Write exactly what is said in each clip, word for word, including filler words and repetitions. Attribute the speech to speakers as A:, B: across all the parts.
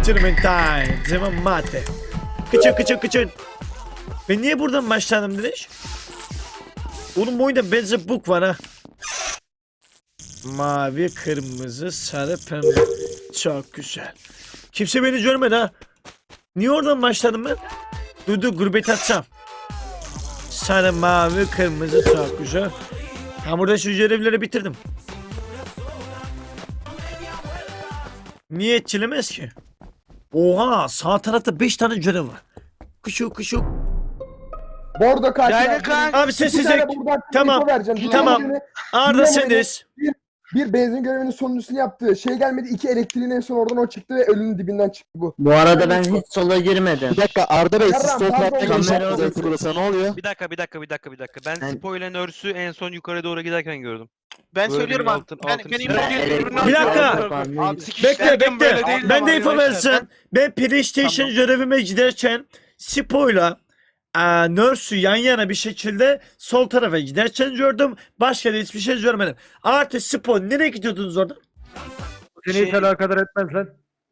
A: Gentleman time. Zaman mate. Kıçın kıçın kıçın. Ben niye buradan başladım Dineş? Oğlum bu oyunda benzer book var ha. Mavi, kırmızı, sarı, pembe. Çok güzel. Kimse beni görmedi ha. Niye oradan başladım ben? Dur dur gurbet atsam. Sarı, mavi, kırmızı çok güzel. Ha burada şu görevleri bitirdim. Niye etkilemez ki? Oha sağ tarafta beş tane görev var. Kuşu kuşu.
B: Bordo katil.
C: Yani
B: abi.
C: kanka.
A: Abi
B: İki tane
A: sessizlik.
B: buradan
A: Tamam,
B: info vereceğim. Bir
A: tamam.
B: tanesini-
A: Arda
B: Dinleme
A: sendeyiz.
B: Bir benzin görevinin sonuncusunu yaptı. Şey gelmedi. iki elektriğin en son oradan o çıktı ve ölünün dibinden çıktı bu.
D: Bu arada ben hiç sola girmedim.
E: Bir dakika Arda Bey siz
B: Yarram,
E: sol
B: pardon,
E: taraftan giriş
D: kamera
E: yaptınız
D: odası.
E: burası ne oluyor?
C: Bir dakika bir dakika bir dakika bir dakika. Ben
D: Ben-
C: Spo ile Nurse'ü en son yukarı doğru giderken gördüm.
F: Ben
C: Böyle
F: söylüyorum
C: bir
F: abi.
C: altın-
F: Ben,
C: altın
F: ben
C: çizgi.
F: info
D: Evet,
F: veriyorum.
D: evet.
A: Bir dakika.
F: Abi,
A: Bekle
F: derken böyle
A: bekle.
F: değil
A: Ben
F: ama
A: de info
F: arkadaşlar.
A: versin. Ben PlayStation görevime giderken Spo'yla e, Nurse'ü yan yana bir şekilde sol tarafa giderken gördüm. Başka da hiçbir şey görmedim. Artı Spo nereye gidiyordunuz orada?
G: Seni hiç alakadar etmez lan.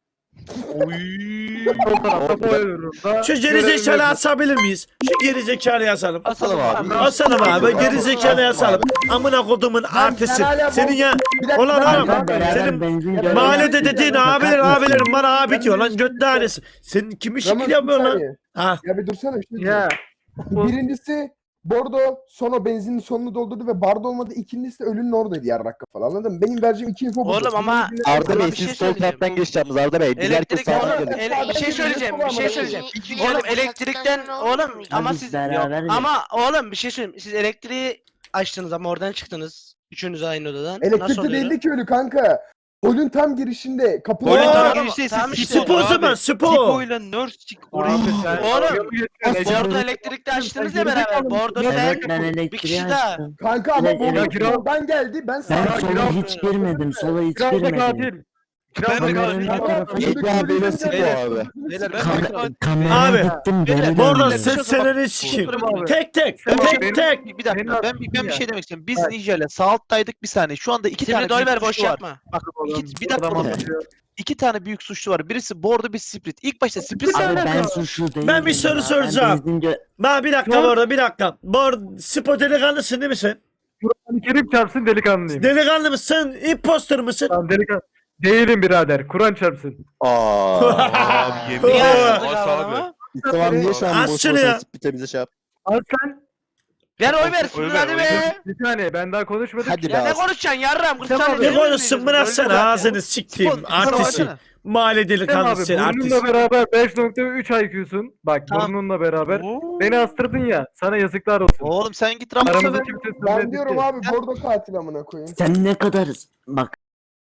G: Sol tarafta boyuyorum da.
A: Şu gerizekalı asabilir miyiz? Şu gerizekalıyı asalım.
E: Asalım abi.
A: Asalım abi gerizekalıyı asalım. Amına kodumun artısı.
B: hala bu-
A: Senin ya
B: Bir dakika,
A: Ulan
B: ben-
A: oğlum,
B: ben-
D: Beraber
A: senin
D: benzin
B: mahallede
D: görevi
A: mahallede
D: yaptık.
A: dediğin
D: Fakat
A: abiler
D: nasıl?
A: abilerim bana abi diyor lan göt tanesi. Senin kimi
B: Ramon,
A: şekil
B: bir
A: yapıyorsun lan?
B: saniye.
A: Ha.
B: Ya bir dursana. Bir şey
G: Ya.
B: diyeceğim. Birincisi Bordo sonra benzinin sonunu doldurdu ve barda olmadı. İkincisi de ölünün oradaydı yarrak kafalı anladın mı? Benim vereceğim iki info bu.
F: Oğlum ama-
E: Arda
F: Sana
E: Bey
F: bir şey
E: siz sol
F: söyleyeceğim.
E: taraftan giriş yaptınız Arda Bey. Biz herkes
F: Elektrik
E: sağdan
F: oğlum,
E: girdik.
F: ele- bir şey söyleyeceğim, bir şey söyleyeceğim. Oğlum elektrikten oğlum ama
D: biz
F: siz
D: beraber
F: yok. Ama oğlum bir şey söyleyeyim. Siz elektriği açtınız ama oradan çıktınız. Üçünüz aynı odadan. Nasıl
B: Elektrikte
F: oluyor?
B: değildi ki ölü kanka. Holün tam girişinde kapıda.
C: Golün
A: Oo,
C: tam
F: tamam,
C: girişte
F: tamam
C: ise
F: işte.
A: Spo o zaman Spo.
C: Spo ile Nurse çık oraya.
G: Abi sen-
F: Oğlum,
G: Ece-
F: Bordo elektrikte açtınız ya beraber. Bordo
D: Evet
F: sen
D: ben
F: bir
D: elektriği
F: kişi daha.
D: açtım.
B: Kanka ama
D: Evet,
B: Bordo
G: evet.
B: soldan geldi. Ben
D: Ben
B: sağa
G: Kira-
D: sola
G: kira-
D: hiç girmedim. Sola hiç
G: Kiraz da
D: girmedim.
G: katil. Kiraz da
D: Kameranın
G: katil.
D: o tarafa
E: Ece
D: gittim.
E: abiyle Spo abi.
F: Beyler,
D: Kam- Kameraya
A: Abi,
D: gittim. görev
A: Burada
D: aldım.
A: ses seneni sikeyim.
G: Abi.
A: Tek tek
G: Tamam,
A: tek
G: benim-
A: tek.
F: Bir
G: Benim
F: dakika.
G: aklım
F: Ben bir, ben bir
G: ya.
F: şey demek istiyorum. Biz
B: Evet.
F: Ninja ile sağ alttaydık bir saniye. Şu anda iki tane
C: Şimdi doy
F: büyük
C: ver boş
F: suçlu var.
C: yapma.
F: Bak iki, bir dakika
G: Tamam.
F: oğlum. İki tane büyük suçlu var. Birisi Bordo bir Split. İlk başta Split
D: Abi ben
F: sanırım.
D: suçlu değilim.
A: Ben bir soru
D: ya. Ben
A: soracağım.
D: benzin gö-
A: Ba bir dakika bu arada bir dakika. Bu arada Spo delikanlısın değil mi sen?
G: Kur'an-ı Kerim çarpsın delikanlıyım.
A: Delikanlı mısın? Imposter mısın?
G: Tamam delikanlı. Değilim birader. Kur'an çarpsın.
E: Aa.
C: Abi yemin
A: Niye
C: ederim.
F: yazdık
C: Bas
F: abi
C: abi.
F: ama?
E: Tamam niye şu an
A: Az
E: boş
A: şunu ya.
E: boş spite bize şey yap.
G: Al sen.
F: Ver oy
C: Oy
F: versin
C: ver,
F: hadi
C: oy
F: be.
C: ver.
G: Bir saniye ben daha konuşmadım.
E: Hadi be
F: Ya ne
E: az.
F: konuşacaksın yarram? kırk
G: Tamam,
F: saniye
A: Bir
G: bir
A: konuşsun bırak sen ağzını siktiğim
F: Spor-
A: artisti.
F: Spor-
A: Mahalle
G: Tamam
A: delikanlısı
G: abi
A: sen artist.
G: burnunla beraber beş nokta üç I Q'sun. Bak
F: Tamam.
G: burnunla beraber.
C: Oo.
G: Beni astırdın ya. Sana yazıklar olsun.
F: Oğlum sen git Ramos'a
G: Aramızda
F: ver.
G: kimse
B: Ben
G: söylemedi
B: diyorum
G: ki.
B: abi Bordo katil amına koyayım.
D: Sen ne kadar bak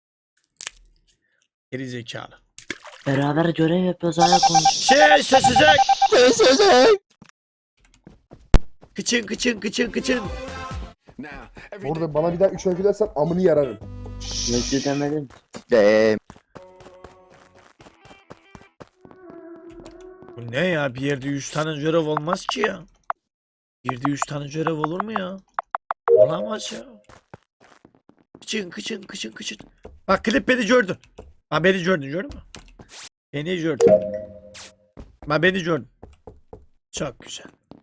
A: Geri zekalı.
D: beraber görev yapıyoruz hala konuş.
A: Şey sessizlik.
E: Sessizlik.
A: Kıçın kıçın kıçın kıçın.
B: Bordo bana bir daha üç öykü dersen amını yararım.
D: Özür demedim.
E: Eee.
A: Bu ne ya bir yerde yüz tane görev olmaz ki ya. Bir yerde yüz tane görev olur mu ya? Olamaz ya. Kıçın kıçın kıçın kıçın. Bak klip beni gördün. Ha beni gördün gördün mü? Beni gördün. Ha beni gördün. Çok güzel.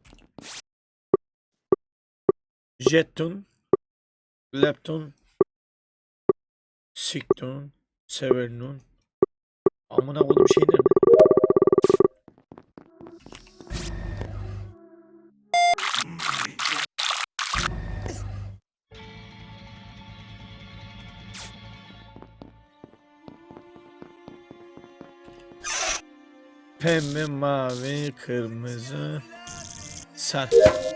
A: Jeton. Lepton. Sikton. Severnun. Amına koydum şey nerede? Pembe, mavi, kırmızı, sarı.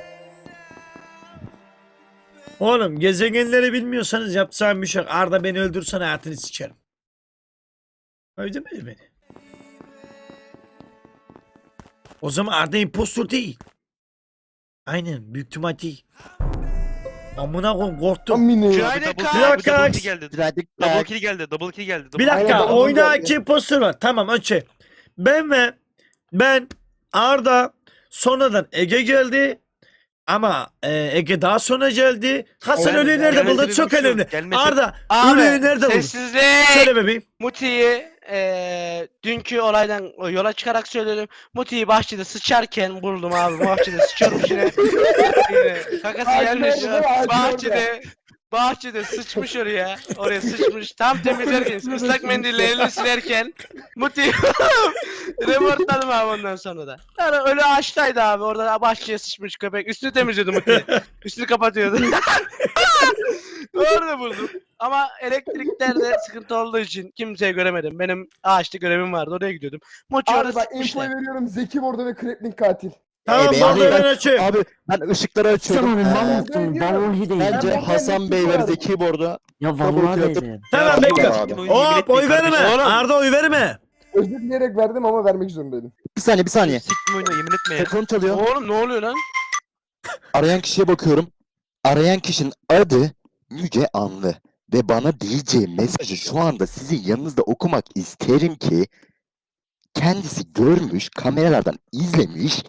A: Oğlum gezegenleri bilmiyorsanız yapacağım bir şey yok. Arda beni öldürsen hayatını sikerim. Öldürmedi beni. O zaman Arda impostor değil. Aynen büyük ihtimal değil. Amına koyayım korktum.
B: Amını.
F: Günaydın
C: Double-
F: Kaan.
A: Bir dakika.
C: Double kill geldi.
E: Birazcık
C: Double
E: daha.
C: kill geldi. Double kill geldi. double
A: Bir
C: kill
A: dakika
B: Aynen,
A: oyunda
B: double
A: iki impostor var. Tamam önce. Ben ve ben Arda sonradan Ege geldi. Ama e, Ege daha sonra geldi. Hasan
B: Evet,
A: ölüyü nerede
C: gelmedi
A: buldu?
C: bir
A: Çok
C: şey yok.
A: önemli.
C: Gelmedi.
A: Arda
F: Abi
A: ölüyü nerede buldu?
F: sessizlik.
A: Söyle bebeğim.
F: Muti'yi eee Ee, dünkü olaydan yola çıkarak söylüyorum. Muti'yi bahçede sıçarken buldum abi. Bahçede sıçıyormuş yine. Yine kakası
B: Ağacın
F: gelmiş.
B: orada, ağacın
F: Bahçede bahçede sıçmış oraya. Oraya sıçmış. Tam temizlerken ıslak mendille elini silerken Muti reportladım abi ondan sonra da. Yani öyle ağaçtaydı abi. Orada bahçeye sıçmış köpek. Üstünü temizliyordu Muti. Üstünü kapatıyordu. Orada buldum. Ama elektriklerde sıkıntı olduğu için kimseye göremedim. Benim ağaçta görevim vardı. Oraya gidiyordum. Muti
B: Abi
F: orada
B: bak infoyu
F: sıkmışlar.
B: veriyorum. Zeki Bordo ve Krepling katil.
A: Tamam
E: Ee,
A: bordo
E: ben-
A: ben açayım.
E: Abi ben ışıkları
D: Sen
E: açıyorum.
D: onu
E: Ee,
D: mal
B: ben
D: mısın?
B: diyorum,
D: Vallahi değil.
E: Bence
B: Ben-
E: Hasan Bey ve Zeki Bordo.
D: Ya
E: Double
D: vallahi
E: kill atıp-
D: değil.
A: Tamam
C: Ya,
A: bekle.
E: abi.
C: oyunu yemin
A: Hop
C: etmeyin
A: oy verme.
C: kardeşim.
F: Oğlum.
A: Arda oy verme.
B: Özür dileyerek verdim ama vermek zorundaydım.
E: Bir saniye bir saniye.
C: Siktim oyunu yemin etme ya.
E: Telefon çalıyor.
F: Oğlum ne oluyor lan?
E: Arayan kişiye bakıyorum. Arayan kişinin adı Müge Anlı. Ve bana diyeceği mesajı şu anda sizin yanınızda okumak isterim ki kendisi görmüş, kameralardan izlemiş.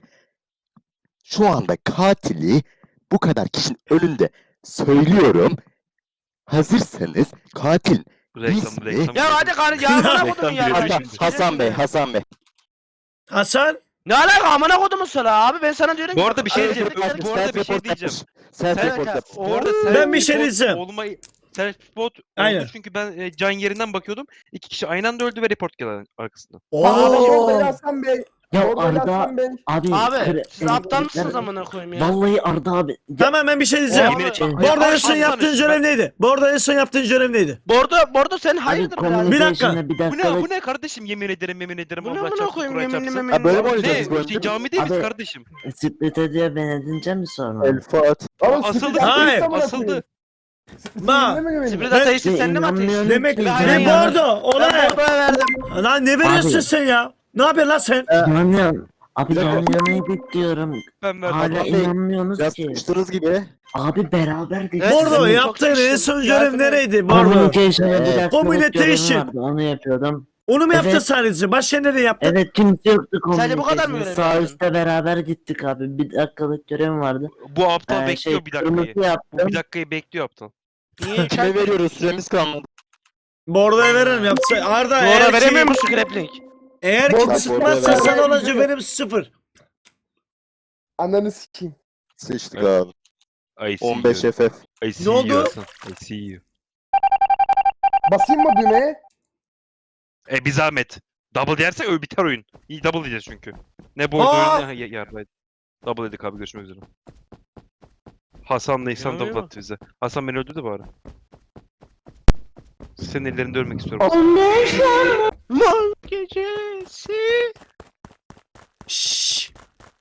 E: Şu anda katili bu kadar kişinin önünde söylüyorum. Hazırsanız katil
C: Reklam
E: İsmi-
C: reklam.
F: Ya hadi kar ya amına
C: Reklam
F: kodum ya.
C: giriyor
E: Hasan,
C: şimdi.
E: Hasan Bey, Hasan Bey.
A: Hasan.
F: Ne alaka amına kodumun sana abi ben sana diyorum
C: Bu
F: ki-
C: arada bir şey
F: Abi,
C: diyeceğim.
F: elektrikler-
C: Bu arada bir şey
E: Self-report
C: diyeceğim.
E: yapmış. Self-report
F: Sen-
E: yapmış.
C: Orada
A: Ben bir şey
C: self-report
A: diyeceğim.
C: Olmayı self-report
A: Aynen.
C: oldu çünkü ben e, can yerinden bakıyordum. İki kişi aynı anda öldü ve report geldi arkasından.
B: Abi Bordo ile
A: Oo.
B: Hasan Bey.
D: Ya
B: Bordo ile
D: Arda
B: Hasan Bey.
D: abi.
F: Abi
D: kre-
F: siz aptal
D: elektrikler-
F: mısınız amına koyayım ya?
D: Vallahi Arda abi. Ya,
A: Tamam ben bir şey diyeceğim.
C: Yemin
F: Abi,
C: et-
A: Bu arada en
C: Bak,
A: son
C: Hasan
A: yaptığın
C: işte,
A: görev neydi? Bu arada en son yaptığın görev neydi?
F: Bordo Bordo sen
D: abi
F: hayırdır birader?
A: Bir dakika.
D: communication'da bir
C: Bu ne,
D: dakika.
C: bu ne kardeşim yemin ederim yemin ederim
F: Bu ne
C: Allah
F: amına
C: çarpsın
F: koyayım
C: Kur'an
F: yeminli
C: çarpsın.
F: meminli.
E: Ha, böyle mi
C: Ne?
E: oynayacağız bu oyunu?
C: Şey, cami değil miyiz
D: Abi-
C: kardeşim?
D: Split ediyor ben edince mi sonra?
E: El Fuat.
B: Oğlum
C: Asıldı.
B: sıkıntı
A: Hayır,
B: yaptıysa amına
C: asıldı.
B: koyayım.
A: Ba.
B: Sizinle mi güvenin?
F: Sprit
A: Ben-
F: ateşi
D: Ben
F: sen de mi ateşi?
D: inanmıyorum
A: Demek
D: ki.
F: Ben
A: ne
F: ya.
A: bordo?
F: Ben
A: Olay.
F: Bordo'ya verdim.
A: Lan ne veriyorsun
D: Abi.
A: sen ya? Ne yapıyorsun lan sen?
D: Yani abi
E: Bir dakika.
D: yan yanaydık diyorum.
C: Ben verdim.
D: Hala
E: Hasan Bey,
D: inanmıyorsunuz
E: Biraz
D: ki.
E: sıkıştınız gibi.
D: Abi beraberdik.
F: Evet,
A: Bordo
F: sizin-
A: yaptığın
F: çok
A: en
F: sıkıştım.
A: son
F: Yardım
A: görev
F: et.
A: nereydi? Bordo.
D: Communication'da bir
E: Ee,
D: dakikalık
A: communication.
D: görevim vardı onu yapıyordum.
A: Onu mu yaptın
D: Evet.
A: sadece? Başka nereye yaptın?
D: Evet kimse yoktu
F: Sadece bu kadar mı
D: communication'da.
F: görev
D: Sağ
F: yaptın?
D: üstte beraber gittik abi. Bir dakikalık görevim vardı.
C: Bu aptal
D: Ee,
C: bekliyor
D: şey,
C: bir dakikayı.
D: kırmızı yaptım.
C: Bir dakikayı bekliyor aptal.
F: Niye?
E: Kime veriyoruz? Süremiz kalmadı.
A: Bordo'ya veririm yapsa. Arda
F: Bordo
A: eğer
F: veremiyor
A: ki,
F: musun grappling?
A: eğer
B: Bordo-
A: ki sıkmazsa
B: Bordo-
A: sana olacak
B: Bordo-
A: benim sıfır.
B: Ananı sikeyim.
E: Sıçtık
C: Evet.
E: abi.
C: I see
E: on beş
C: you.
E: F F.
C: I see
A: oldu?
C: you Hasan. I see you.
B: Basayım mı düğmeye?
C: E bir zahmet. Double yersek öyle biter oyun. İyi double diyeceğiz çünkü. Ne bu
A: Aa!
C: oyun ne ya- yardaydı. Double dedik abi görüşmek üzere. Hasan'la İhsan
F: İnanmıyor
C: double
F: mu?
C: attı bize. Hasan beni öldürdü bari. Senin ellerinde ölmek istiyorum.
F: Mal gecesi.
A: Şşş.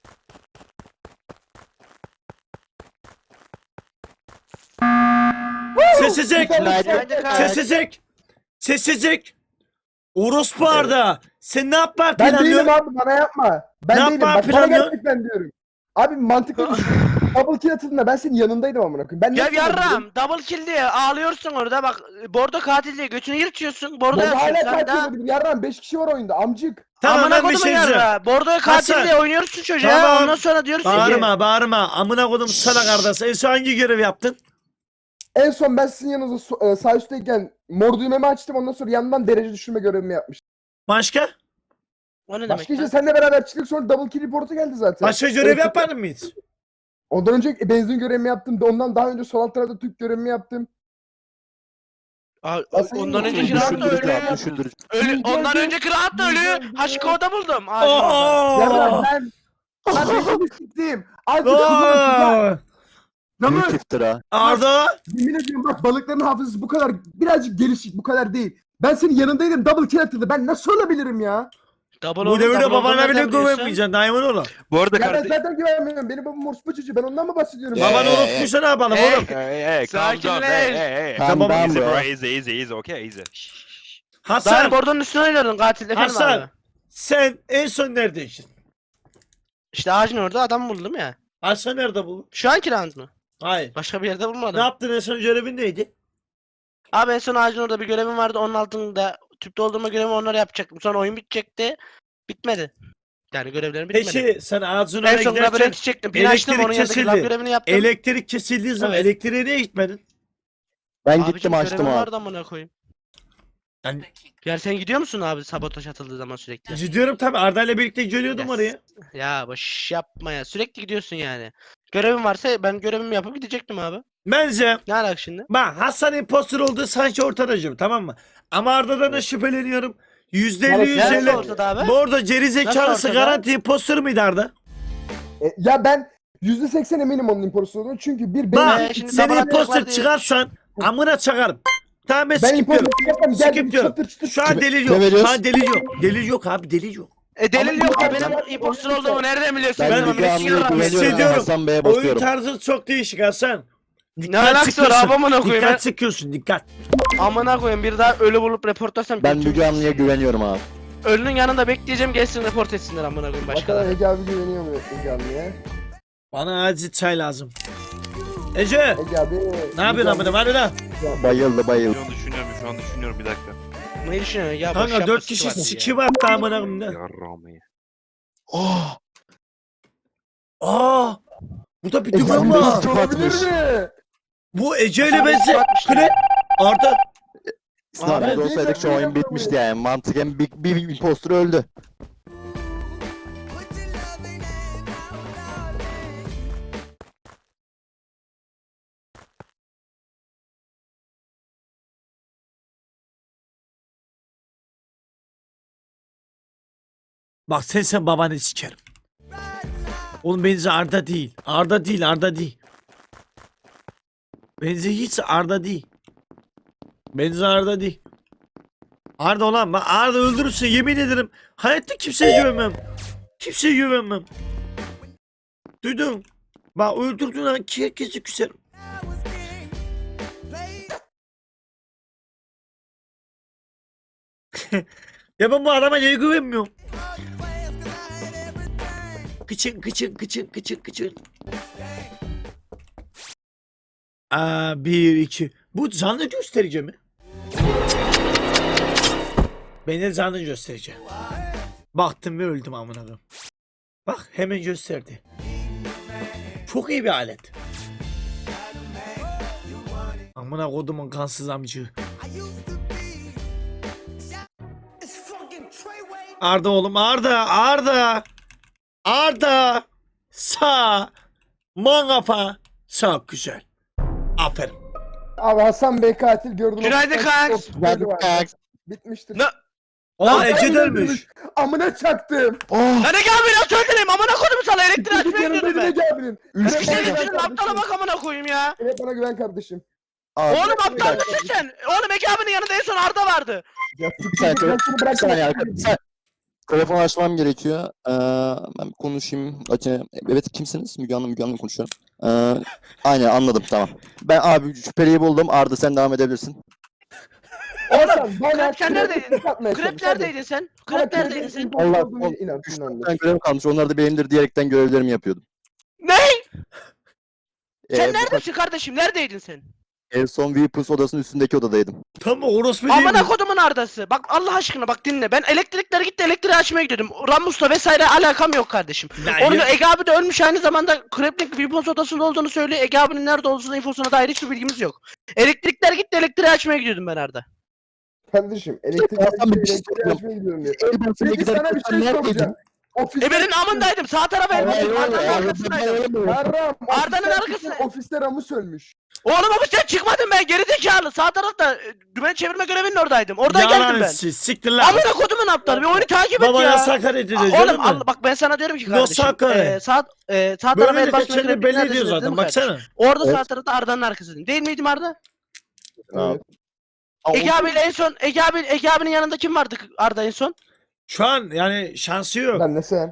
A: Sessizlik.
E: Günaydın.
A: Sessizlik. Sessizlik. Orospu Arda. Sen ne yapma
B: Ben değilim
A: planlıyorsun?
B: abi bana yapma. Ben
A: Ne
B: değilim.
A: yapma
B: Bak bana
A: planlıyor?
B: gerçekten diyorum. Abi mantıklı düşün. Double kill atıldığında ben senin yanındaydım amına koyayım. Ben
F: Ya
B: nasıl yapabilirim?
F: yarram double kill diye ağlıyorsun orada bak Bordo katil diye götünü yırtıyorsun Bordo
B: Ben
F: yapıyorsun
B: hala
F: sen
B: katil
F: daha.
B: olabilirim. Yarram beş kişi var oyunda amcık.
A: Tamam
F: Amına
A: ben bir
F: kodumun
A: şey diyeceğim.
F: yarra. Bordo'ya katil
A: Hasan.
F: diye oynuyorsun çocuğa
A: Tamam.
F: ondan sonra diyorsun ki.
A: Bağırma bağırma. Amına kodum sana kardeş. En son hangi görev yaptın?
B: En son ben sizin yanınızda so- e, sağ üstteyken mor düğmemi açtım. Ondan sonra yandan derece düşürme görevimi yapmıştım.
A: Başka?
F: O ne demek
B: Başka işte
F: lan?
B: seninle beraber çıktık sonra double kill reportu geldi zaten.
A: Başka görev
B: Evet.
A: yapmadın mı hiç?
B: Ondan önce benzin görevimi yaptım. Ondan daha önce sol alt tarafta Türk görevimi yaptım.
F: Aa,
B: Asıl
F: ondan
B: yine
F: önce Kıraat da
E: Düşündürücü
F: ölü.
E: abi, düşündürücü.
F: ölü. Ondan önce Kıraat da ölü. Haşiko'da buldum. Ağacın orada.
B: Yarram
A: Oo!
B: ben... Ben benzini siktim. Azıcık kızına
A: Oo!
B: Namır.
E: Büyük iftira.
A: Arda!
B: Yemin ediyorum bak balıkların hafızası bu kadar birazcık gelişik bu kadar değil. Ben senin yanındaydım double kill atıldı. Ben nasıl olabilirim ya?
F: Double
A: Bu
F: oldu,
A: devirde
F: double
A: babana
F: oldu,
A: bile
F: nereden biliyorsun?
A: güvenmeyeceksin. Diamond oğlum.
C: Bu arada
B: Ya ben
C: kardeş...
B: zaten güvenmiyorum. Benim babam orospu çocuğu. Ben ondan mı bahsediyorum?
E: Ya.
A: Baban
E: Ee,
A: unutmuşsa ne yapalım
F: Hey.
A: oğlum?
C: Hey hey calm
F: Sakinleş.
C: down hey hey hey.
E: Calm
A: Tamam,
E: down
C: Easy
E: bro.
C: bro easy easy easy okay easy. Şşş, şşş.
F: Daha
A: Hasan!
F: Bordo'nun üstüne oynuyordun katil efendim
A: Hasan!
F: abi.
A: Sen en son neredeydin?
F: İşte ağacın orada adam buldum ya.
A: Hasan nerede buldun?
F: Şu anki round mu?
A: Hayır.
F: Başka bir yerde
A: Ne
F: bulmadım.
A: yaptın en son görevin neydi?
F: Abi en son ağacın orada bir görevim vardı. Onun altında tüp doldurma görevi onları yapacaktım. Sonra oyun bitecekti. Bitmedi. Yani görevlerim bitmedi.
A: Peki sen ağzın
F: en
A: oraya
F: son
A: giderken
F: labirenti çektim. Pin açtım
A: elektrik
F: onun yanındaki
A: kesildi.
F: lab görevini yaptım.
A: elektrik kesildiği zaman
F: Evet.
A: elektriğe niye gitmedin?
E: Ben
F: Abicim,
E: gittim açtım
F: görevim
E: abi.
F: vardı amına koyayım.
A: Ben
F: Yani sen gidiyor musun abi sabotaj atıldığı zaman sürekli?
A: gidiyorum tabii. Arda ile birlikte geliyordum
F: Yes.
A: oraya.
F: Ya boş yapma ya. Sürekli gidiyorsun yani. Görevim varsa ben görevimi yapıp gidecektim abi.
A: Bence
F: Ne alaka şimdi?
A: bak Hasan imposter olduğu sanki ortadacım, tamam mı? Ama Arda'dan da şüpheleniyorum. yüzde elli
B: Neresi
A: yüzde
F: Neresi
A: elli.
F: ortada abi?
A: Bu arada geri zekalısı
F: ortada?
A: garanti imposter mıydı Arda?
B: E, ya ben yüzde seksen eminim onun imposter olduğunu. Çünkü bir
A: Bak
B: benim
F: Ee, şimdi
A: sen
F: sabah
A: imposter
F: atacaklar diye-
A: çıkarsan amına çakarım. Tamam ben
B: ben
A: skip
B: imposter
A: diyorum.
B: çıkarsam
A: Skip
B: geldim
A: diyorum.
B: çatır çıtır.
A: Şu an
E: Kime-
A: delil
E: kime
A: yok. Şu
E: veriyoruz?
A: an delil yok. Delil yok abi, delil yok.
F: E delil
B: Ama
F: yok da
B: bu-
F: benim
B: bu-
F: imposter
B: bu-
F: olduğumu nereden biliyorsun?
E: Ben
A: Ben
F: Tamam,
E: Müge
F: beş
E: Anlı'ya
F: yıl var.
E: güveniyorum ve
A: Hissediyorum.
E: Hasan Bey'e
A: Oyun
E: basıyorum.
A: tarzı çok değişik Hasan.
F: Ne alakası var abi amına koyayım ya?
A: Dikkat çekiyorsun, dikkat.
F: Amına koyayım bir daha ölü bulup reportlasam
E: Ben
F: kötü
E: Müge
F: olur.
E: Anlı'ya güveniyorum abi.
F: Ölünün yanında bekleyeceğim gelsin report etsinler amına koyayım
B: Bakalım
F: başkaları.
B: Ege abi güveniyor mu Ege abiye?
A: Bana acil çay lazım. Ece,
B: Ege abi.
A: ne yapıyorsun amına? Hadi lan.
E: Bayıldı bayıldı.
C: Şu an düşünüyorum, şu an düşünüyorum bir dakika.
F: Ne düşünüyorsun ya? Boş
A: Kanka
F: yapma,
A: dört
F: sıkı
A: kişi
F: var ya.
A: sikim attı amına koyayım.
C: Yarramayı.
E: Oh!
A: Aa! Burada bir
B: Ege
A: dümen
B: abi
A: var.
B: nasıl olabilir mi?
A: Bu Ece ile
F: Abi,
A: benzi.
F: atmış ya.
A: Kre. Arda.
E: Sınavda
B: Abi,
E: olsaydık şu oyun bitmişti yani. Mantıken bir, bir impostor öldü.
A: Bak sen sen babanı sikerim. Oğlum benzi Arda değil. Arda değil, Arda değil. Benzi hiç Arda değil. Benzi Arda değil. Arda olan bak Arda öldürürse yemin ederim hayatta kimseye güvenmem. Kimseye güvenmem. Duydun? Bak öldürdüğün an herkesi küserim. Ya ben bu adama niye güvenmiyorum? Kıçın kıçın kıçın kıçın kıçın. Aa, bir iki. Bu canlı gösterici mi? Beni canlı gösterici. Baktım ve öldüm amına koyayım. Bak hemen gösterdi. Çok iyi bir alet. Amına kodumun kansız amcığı. Arda oğlum Arda Arda Arda sağ mangafa çok güzel. Aferin.
B: Abi Hasan Bey katil gördüm.
F: Günaydın kanks.
B: Bitmiştir.
F: Ne?
A: Aa
B: Arda
A: Ece
B: öldürmüş.
A: dönmüş.
B: Amına çaktım.
E: Oh!
F: Lan Ege abi nasıl öldüreyim amına koydum sana elektriği açmaya
B: Yanımdaydı
F: gidiyordum ben.
B: Ege abinin.
E: Üç
B: Evet,
E: kişi
B: bana
F: Senin
B: güven
F: için aptala
B: kardeşim.
F: bak amına koyayım ya.
B: Evet bana güven kardeşim.
E: Abi,
F: Oğlum
E: bir
F: aptal
E: dakika,
F: mısın sen? Oğlum Ege abinin yanında en son Arda vardı.
B: Ya,
E: Bir saniye,
B: ben seni
E: bir
B: bırakmam.
E: saniye arkadaşlar. Bir saniye. Telefon açmam gerekiyor. Ee, ben bir konuşayım. Açayım. Evet kimsiniz? Müge Anlı, Müge Anlı konuşuyorum. Ee, aynen anladım tamam. Ben abi şüpheliyi buldum. Arda sen devam edebilirsin.
B: Hasan bana
F: Krep sen neredeydin?
B: atmaya
F: Krep
B: çalış, hadi.
F: neredeydin sen?
B: Bana
F: Krep neredeydin sen?
B: imposter
E: Allah-
B: olduğunu
E: Allah-
B: inan,
E: Üç
B: inan.
E: tane görev kalmış. Onlar da benimdir diyerekten görevlerimi yapıyordum.
F: Ne? Sen
E: Ee, bu-
F: neredesin kardeşim? Neredeydin sen?
E: En son Weapons odasının üstündeki odadaydım.
A: Tam orospu değil mi?
F: Amına kodumun Arda'sı. Bak Allah aşkına bak dinle. Ben elektrikler gitti elektriği açmaya gidiyordum. Ramus'la vesaire alakam yok kardeşim.
A: Ya,
F: Onu
A: ya-
F: Ege abi de ölmüş aynı zamanda Kreplik Weapons odasında olduğunu söylüyor. Ege abinin nerede olduğunu infosuna dair hiçbir bilgimiz yok. Elektrikler gitti elektriği açmaya gidiyordum ben Arda.
B: Kardeşim elektrik
E: Hasan Bey, bir şey
B: elektriği
E: soracağım.
B: açmaya gidiyorum diyor.
E: Elbasına
B: Peki sana bir
E: giderken
B: şey
E: neredeydin?
B: soracağım. Ofiste...
F: E benim amındaydım. Sağ tarafa
E: Hayır,
F: elbasın.
E: hayır,
F: Arda'nın
E: hayır,
F: arkasındaydım.
B: Yarram.
F: Arda'nın
B: ofiste-
F: arkasına.
B: Ofiste Ramus ölmüş.
F: Oğlum ama sen çıkmadın ben gerizekalı. Sağ tarafta e, dümen çevirme görevinin oradaydım. Oradan geldim
A: Yalan
F: ben.
A: siz, siktir lan.
F: Amına kodumun aptalı. Bir oyunu takip et
A: Babana
F: ya.
A: sakar
F: Aa,
A: edeceğiz
F: Oğlum
A: değil mi?
F: Allah, bak ben sana diyorum ki
A: Nasıl
F: kardeşim.
A: hakaret?
F: E, sağ, e, sağ tarafa
A: Böyle
F: el
A: de
F: basma
A: kendini
F: kreplik
A: belli
F: neredesiniz
A: ediyor
F: değil
A: zaten
F: mi kardeşim?
A: baksana.
F: Orada
B: Evet.
F: sağ tarafta Arda'nın arkasındayım. Değil miydim Arda?
B: Evet.
E: Aa,
F: Ege
E: o-
F: abiyle en son Ege abi Ege abinin yanında kim vardı Arda en son?
A: Şu an yani şansı yok.
B: Ben de sen.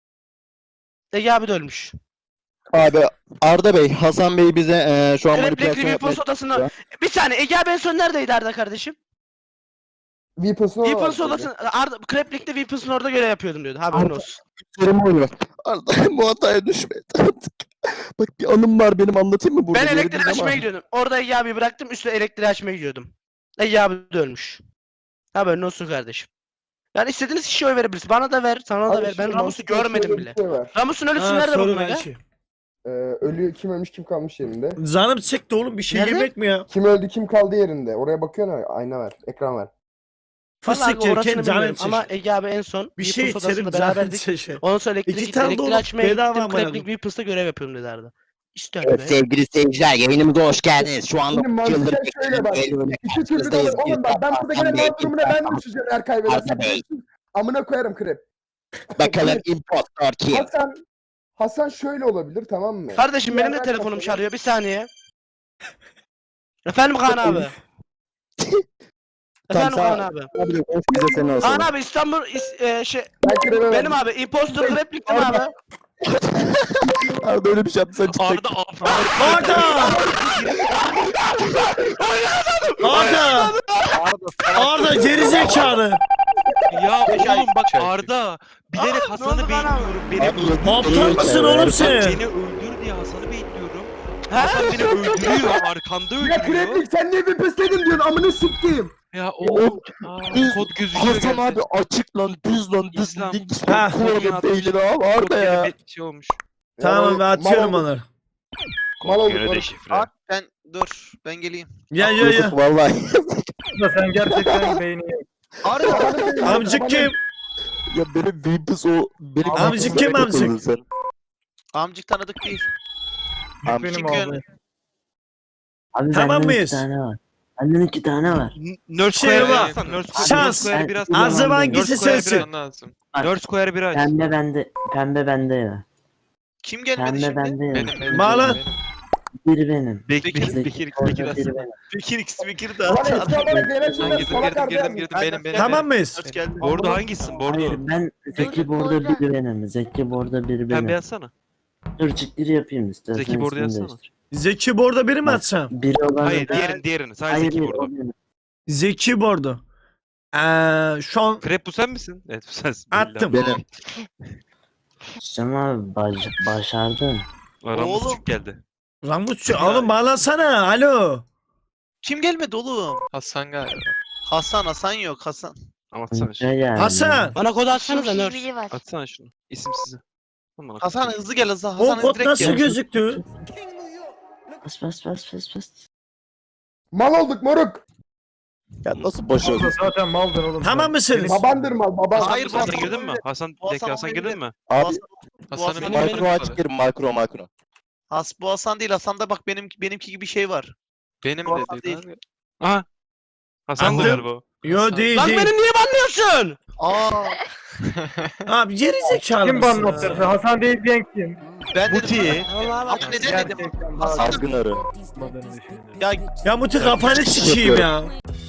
F: Ege abi de ölmüş.
E: Abi Arda Bey, Hasan Bey bize eee, şu an
F: Kreplik
E: manipülasyon yapmaya
F: Weapons odasında.
E: Ya.
F: Bir saniye Ege abi en son neredeydi Arda kardeşim?
B: Weapons'un
F: Weapons odasında Arda Kreplik'te Weapons'un orada görev yapıyordum diyordu. Haberin
E: Arda-
F: olsun.
E: çalışıyorum oyunu. Arda bu hataya düşme artık. Bak bir anım var benim anlatayım mı burada?
F: Ben
E: Geri
F: elektriği
E: değil
F: açmaya
E: ama.
F: gidiyordum. Orada Ege abi bıraktım üstüne elektriği açmaya gidiyordum. Ege abi de ölmüş. Haberin olsun kardeşim. Yani istediğiniz kişiye oy verebilirsiniz. Bana da ver, sana da ver. Ben Ramus'u görmedim bile.
B: Şey var.
F: Ramus'un ölüsü
A: Ha,
F: nerede
A: soru
F: bunun aga?
A: belki.
B: Ee, ölü kim ölmüş kim kalmış yerinde.
A: Canım çekti oğlum bir şey
F: Nerede?
A: yemek mi ya?
B: Kim öldü kim kaldı yerinde. Oraya bakıyorsun ha, ayna var. Ekran var.
A: Fıstık
F: Vallahi orasını
A: yerken canın
F: bilmiyorum ama
A: çeşit.
F: Ege abi en son
A: Bir
F: Weapons
A: şey
F: odasında
A: içerim canın
F: beraberdik.
A: çeşit.
F: Ondan sonra elektrik
A: İki
F: gitti.
A: tane
F: Elektriği
A: dolu,
F: açmaya
A: bedava
F: gittim.
A: amına
F: Kreplik
A: koyayım.
F: Weapons'ta görev yapıyorum dedi Arda. İşte
E: Evet
F: be.
E: sevgili seyirciler yayınımıza hoş geldiniz. Şu anda
B: Şimdi mantıken şöyle bak. İki türlü de olur. Oğlum bak ben burada gene mal durumuna ben düşeceğim eğer kaybedersem.
E: Arda Bey.
B: Amına koyarım krep.
E: Bakalım impostor kim?
B: Hasan Hasan şöyle olabilir tamam mı?
F: Kardeşim benim de
B: Diğer
F: telefonum
B: arkadaşlar-
F: çalıyor. Bir saniye. Efendim Kaan abi. Efendim
E: Tamam,
F: Kaan abi.
E: Abi hoş bize seni olsun.
F: Kaan abi İstanbul is- e, şey
B: Ben krebe
F: benim abi imposter repliktim abi.
E: Arda öyle bir şey yaptı sen çık.
C: Arda abi.
A: Arda! Arda! Arda gerizekalı.
C: Ya oğlum bak
H: Çay.
C: Arda. Bilerek
F: Aa, ne
C: Hasan'ı
F: oldu bana?
C: bekliyorum. Beni
E: Abi,
C: öldür.
A: Aptal mısın oğlum sen?
C: Beni öldür diye Hasan'ı bekliyorum. Hasan beni öldürüyor. Arkanda
B: Ya
C: öldürüyor.
B: kreplik sen niye bir pisledin diyorsun amına siktiğim.
C: Ya oğlum. Aa,
E: Düz-
C: kod gözüküyor.
E: Hasan
C: gerçi.
E: abi açık lan düz lan düz
C: İslam.
E: link
A: Ha.
E: kullanın beynini abi
C: Kod
E: Arda ya.
C: gene bir şey olmuş.
A: Tamam ben atıyorum
B: Mal
A: onu.
B: Mal
C: Kod
B: olduk
C: göre
B: oğlum.
C: deşifre.
H: Abi ben dur ben geleyim.
A: Ya ya ya.
E: Yusuf vallahi.
G: Da sen gerçekten beyni yok.
B: Arda
A: Amcık kim?
E: Ya benim Vimpus o benim
A: Amcık
E: Vimpus'a
A: kim amcık?
E: takıldın sen.
H: Amcık tanıdık değil.
E: Amcık
G: Benim
H: Çünkü-
G: abi.
D: Abi
A: Tamam
D: benden
A: mıyız?
D: iki tane var. Benden iki tane var.
C: N- Nurse
A: Şey
C: Square'ı
A: var.
C: yazsan. Nurse Square-
A: Şans.
C: Nurse Square'ı biraz.
D: Ben-
A: Azım hangisi
C: Nurse Square'ı
A: sensin?
C: biraz lazım. Nurse Square'ı bir aç.
D: Pembe bende. Pembe bende ya.
H: Kim gelmedi
D: Pembe
H: şimdi?
D: bende ya.
H: Benim benim.
A: Mağla.
H: benim.
D: Biri benim.
C: Bekir,
H: Bekir,
C: Bekir,
D: Zeki
C: Bekir,
D: orada,
C: Bekir
D: biri
C: aslında.
D: benim.
H: Bekir X Bekir de
B: Ulan eski olarak gelen
H: Ben
B: şeyler
H: girdim
B: salak
H: girdim
B: Arda
H: girdim
B: yazmış.
H: benim benim.
A: Tamam mıyız?
H: Hoş geldin.
C: Bordo hangisin? Bordo.
D: Hayır ben Zeki Borda biri benim. Zeki Borda biri
C: Pembe
D: benim.
C: yazsana.
D: Dur çıktiri yapayım istersen.
C: Zeki Borda
D: ismini
C: yazsana.
D: değiştir.
A: Zeki Bordo biri mi
D: Bak,
A: atsam?
D: Biri olan
C: Hayır diğerini diğerini. Sadece
D: Hayır,
C: Zeki
D: hayır,
C: Bordo.
D: o benim.
A: Zeki Bordo. Ee, şu an
C: Krep bu sen misin? Evet bu sensin.
A: Attım.
E: Benim.
D: İşte abi baş, başardın.
C: Aramız
H: Oğlum.
C: küçük geldi.
A: Ramutçu oğlum bağlansana. Alo.
H: Kim gelmedi oğlum?
I: Hasan galiba.
H: Hasan Hasan yok Hasan.
C: Atsana şunu.
D: Ne yani?
A: Hasan.
F: Bana kod atsana da
J: Çok iyi
F: nurse.
J: biri var.
C: Atsana şunu. İsimsizi. Aman
H: Hasan hızlı gel hızlı.
A: O
H: Hasan
A: kod
H: direkt
A: nasıl
H: gel.
A: gözüktü?
D: Bas bas bas bas bas.
B: Mal olduk moruk.
E: Ya nasıl başarısız?
G: Yoksa zaten maldın oğlum.
A: Tamam
G: sen.
A: mısınız?
B: Babandır mal baban.
H: Hayır,
C: Hayır
H: bu
C: Hasan
H: Hasan
C: girdin mi?
H: olabilir.
C: Hasan
H: Bu
C: bir dakika
H: Hasan
C: Hasan girdin
H: olabilir.
C: mi?
E: Abi
H: Hasan,
I: Hasan'ın
F: benim-
E: makro açık yerim makro makro.
H: Has bu Hasan değil. Hasan'da bak benim benimki gibi şey var.
I: Benim
H: Bu Hasan
I: de
H: değil.
I: dedi abi.
C: Aha. Hasan da
A: Anladım.
C: galiba o.
A: Yo değil
F: Lan
A: değil.
F: beni niye banlıyorsun?
H: Aa
A: Abi geri zekalı
G: Kim
A: mısın
G: banlattırdı?
A: ya?
G: Hasan değil diyen kim?
H: ben dedim.
C: Muti.
F: Allah
H: Ama neden dedim?
G: Gerçekten
H: Hasan-
G: bazı
E: Azgın arı.
G: banladığını düşünüyorum.
H: Ya
A: Ya Muti kafanı sikeyim ya.